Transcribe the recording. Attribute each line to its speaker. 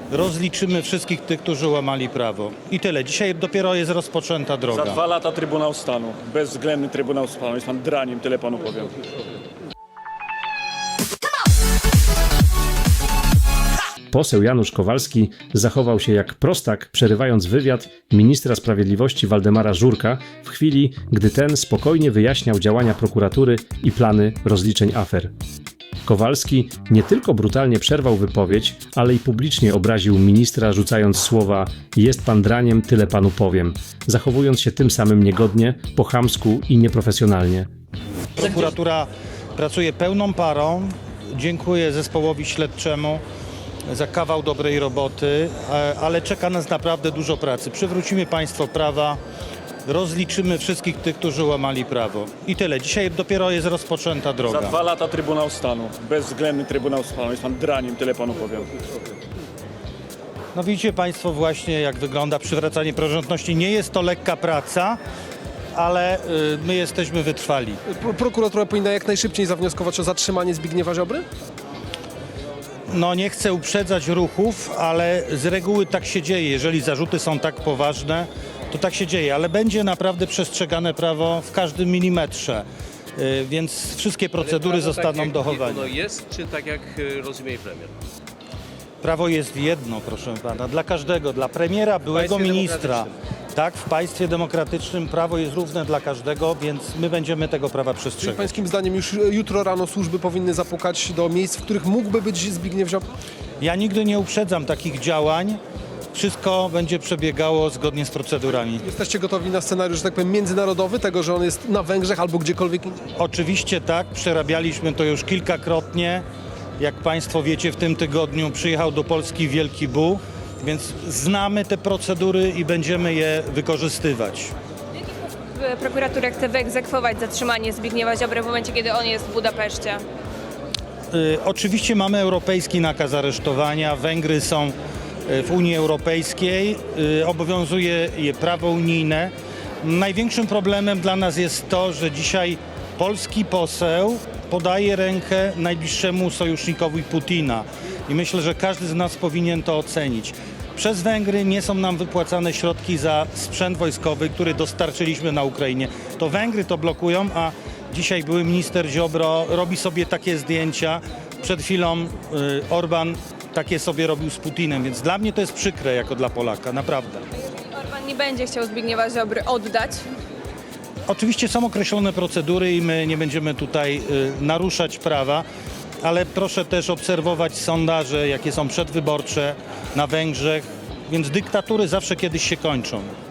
Speaker 1: rozliczymy wszystkich tych, którzy łamali prawo. I tyle. Dzisiaj dopiero jest rozpoczęta droga.
Speaker 2: Za 2 lata Trybunał Stanu. Bezwzględny Trybunał Stanu. Jest pan draniem, tyle panu powiem.
Speaker 3: Poseł Janusz Kowalski zachował się jak prostak, przerywając wywiad ministra sprawiedliwości Waldemara Żurka w chwili, gdy ten spokojnie wyjaśniał działania prokuratury i plany rozliczeń afer. Kowalski nie tylko brutalnie przerwał wypowiedź, ale i publicznie obraził ministra, rzucając słowa „jest pan draniem, tyle panu powiem”, zachowując się tym samym niegodnie, po chamsku i nieprofesjonalnie.
Speaker 1: Prokuratura pracuje pełną parą. Dziękuję zespołowi śledczemu za kawał dobrej roboty, ale czeka nas naprawdę dużo pracy. Przywrócimy państwo prawa, rozliczymy wszystkich tych, którzy łamali prawo. I tyle. Dzisiaj dopiero jest rozpoczęta droga.
Speaker 2: Za 2 lata Trybunał Stanu. Bezwzględny Trybunał Stanu. Jest pan draniem, tyle panu powiem.
Speaker 1: No widzicie państwo właśnie, jak wygląda przywracanie praworządności. Nie jest to lekka praca, ale my jesteśmy wytrwali.
Speaker 4: Prokuratura powinna jak najszybciej zawnioskować o zatrzymanie Zbigniewa Ziobry?
Speaker 1: No nie chcę uprzedzać ruchów, ale z reguły tak się dzieje. Jeżeli zarzuty są tak poważne, to tak się dzieje, ale będzie naprawdę przestrzegane prawo w każdym milimetrze, więc wszystkie procedury zostaną dochowane.
Speaker 5: Ono jest, czy tak jak rozumie premier?
Speaker 1: Prawo jest jedno, proszę pana, dla każdego, dla premiera, byłego
Speaker 5: państwie
Speaker 1: ministra. Tak, w państwie demokratycznym prawo jest równe dla każdego, więc my będziemy tego prawa
Speaker 4: Czy
Speaker 1: przestrzegać.
Speaker 4: pańskim zdaniem już jutro rano służby powinny zapukać do miejsc, w których mógłby być Zbigniew Ziobro?
Speaker 1: Ja nigdy nie uprzedzam takich działań. Wszystko będzie przebiegało zgodnie z procedurami.
Speaker 4: Jesteście gotowi na scenariusz, że tak powiem, międzynarodowy, tego, że on jest na Węgrzech albo gdziekolwiek indziej?
Speaker 1: Oczywiście tak, przerabialiśmy to już kilkakrotnie. Jak państwo wiecie, w tym tygodniu przyjechał do Polski Wielki Bu, więc znamy te procedury i będziemy je wykorzystywać.
Speaker 6: Prokuratura chce wyegzekwować zatrzymanie Zbigniewa Ziobry w momencie, kiedy on jest w Budapeszcie.
Speaker 1: Oczywiście mamy europejski nakaz aresztowania. Węgry są w Unii Europejskiej. Obowiązuje je prawo unijne. Największym problemem dla nas jest to, że dzisiaj polski poseł podaje rękę najbliższemu sojusznikowi Putina. I myślę, że każdy z nas powinien to ocenić. Przez Węgry nie są nam wypłacane środki za sprzęt wojskowy, który dostarczyliśmy na Ukrainie. To Węgry to blokują, a dzisiaj były minister Ziobro robi sobie takie zdjęcia. Przed chwilą Orban takie sobie robił z Putinem, więc dla mnie to jest przykre jako dla Polaka, naprawdę.
Speaker 6: Orban nie będzie chciał Zbigniewa Ziobry oddać.
Speaker 1: Oczywiście są określone procedury i my nie będziemy tutaj naruszać prawa, ale proszę też obserwować sondaże, jakie są przedwyborcze na Węgrzech, więc dyktatury zawsze kiedyś się kończą.